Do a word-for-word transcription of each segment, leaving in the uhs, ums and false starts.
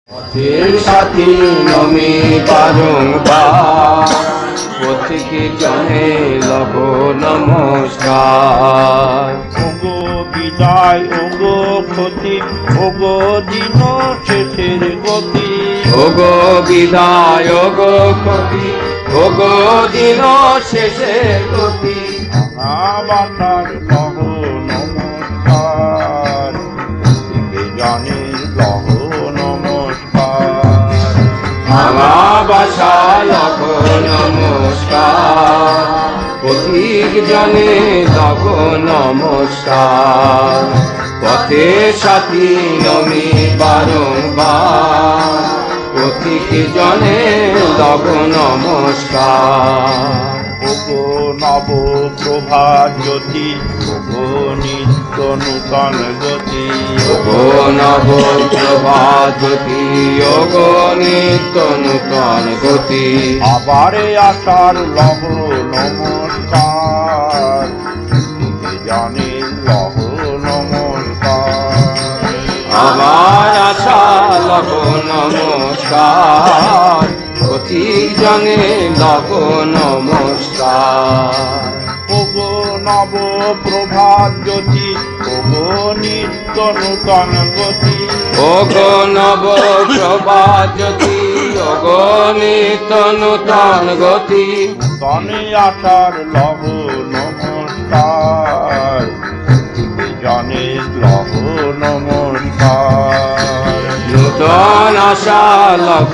পথের সাথী নমি বারংবার প্রত্যেকে জনে লব নমস্কার। ওগো বিদায় ওগো ক্ষতি ওগো দিন শেষের গতি। ওগো বিদায় ওগো ক্ষতি ওগো দিন শেষের গতি। বাতার লহ নমস্কার প্রত্যেকে জনে লহ নমস্কার। ভাঙা বাসা লব নমস্কার পথিক জনে লব নমস্কার। পথের সাথী নমি বারংবার পথিক জনে লব নমস্কার। ওগো নব প্রভাত জ্যোতি ওগো নিত্য নূতন গতি। ওগো নব প্রভাত জ্যোতি ওগো নিত্য নূতন গতি। আবারে আসার লহ নমস্কার প্রত্যেকে জানে লহ নমস্কার। আমার আশা লব নমস্কার পথিক জনে লব নমস্কার। ওগো নব প্রভাত জ্যোতি ওগো নিত্য নূতন গতি। ওগো নব প্রভাত জ্যোতি ওগো নিত্য নূতন গতি। তনে আসার লহ নমস্কার প্রত্যেকে জানে লহ নমস্কার। নূতন আশা লব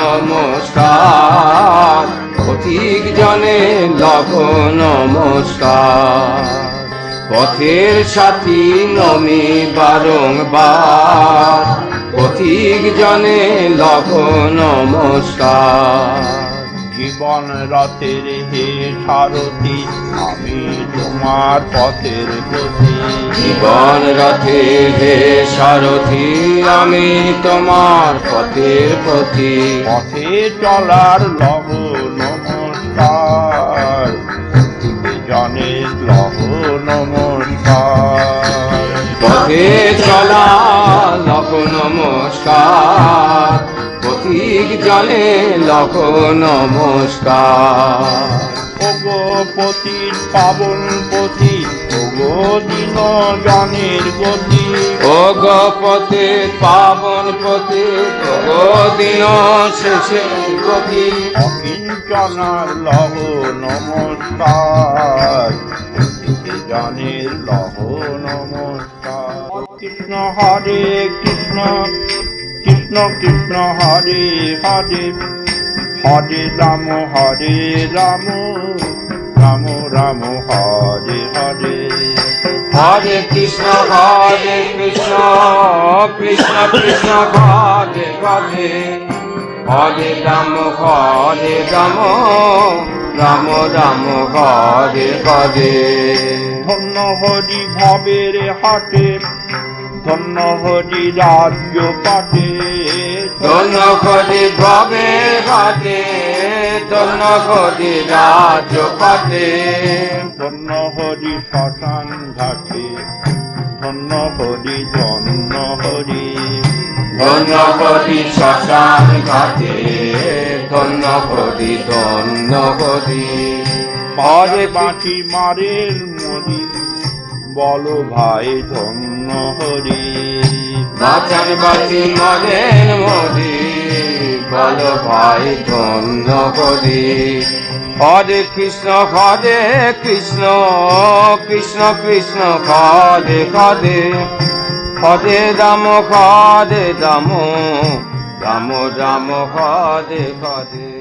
নমস্কার পথিক জনে লব নমস্কার। পথের সাথী নমি বারংবার পথিক জনে লব নমস্কার। জীবন রথের হে সারথি আমি তোমার পথের গতি। জীবন রথে হে সারথি আমি তোমার পথের প্রতি। পথে চলার লহ নমস্কার প্রত্যেকে জনে লহ নমস্কার। পথে চলা লব নমস্কার পথিক জনে লব নমস্কার। ওগো পতির পাবন পথি ওগো দিন জনের গতি। ওগো পথে পাবন পথে ওগো দিন শেষের গতি। অকিঞ্চনার লহ নমস্কার প্রত্যেকে জনের লহ নমস্কার। কৃষ্ণ হরে কৃষ্ণ কৃষ্ণ কৃষ্ণ হরে হরে হরে রাম হরে রাম রাম রাম হরে হরে। হরে কৃষ্ণ হরে কৃষ্ণ কৃষ্ণ কৃষ্ণ হরে হরে হরে রাম হরে রাম রাম রাম হরে হরে। ধন্য হরি ভবের হাটে ধন্য হরি রাজ্য পাটে। ধন্য হরি ভবে ঘাটে ধন্য হরি রাজ্য পাটে। ধন্য হরি শ্মশান ঘাটে ধন্য হরি ধন্য হরি। ধন্য হরি শ্মশান ঘাটে ধন্য হরি ধন্য হরি। পারে বাঁচি মারের মরি বলো ভাই ধন্য হরি। বাঁচান বাঁচি মরেন মরি বল ভাই ধন্য হরি। হরে কৃষ্ণ হরে কৃষ্ণ কৃষ্ণ কৃষ্ণ হরে হরে হরে রাম হরে রাম রাম রাম হরে হরে।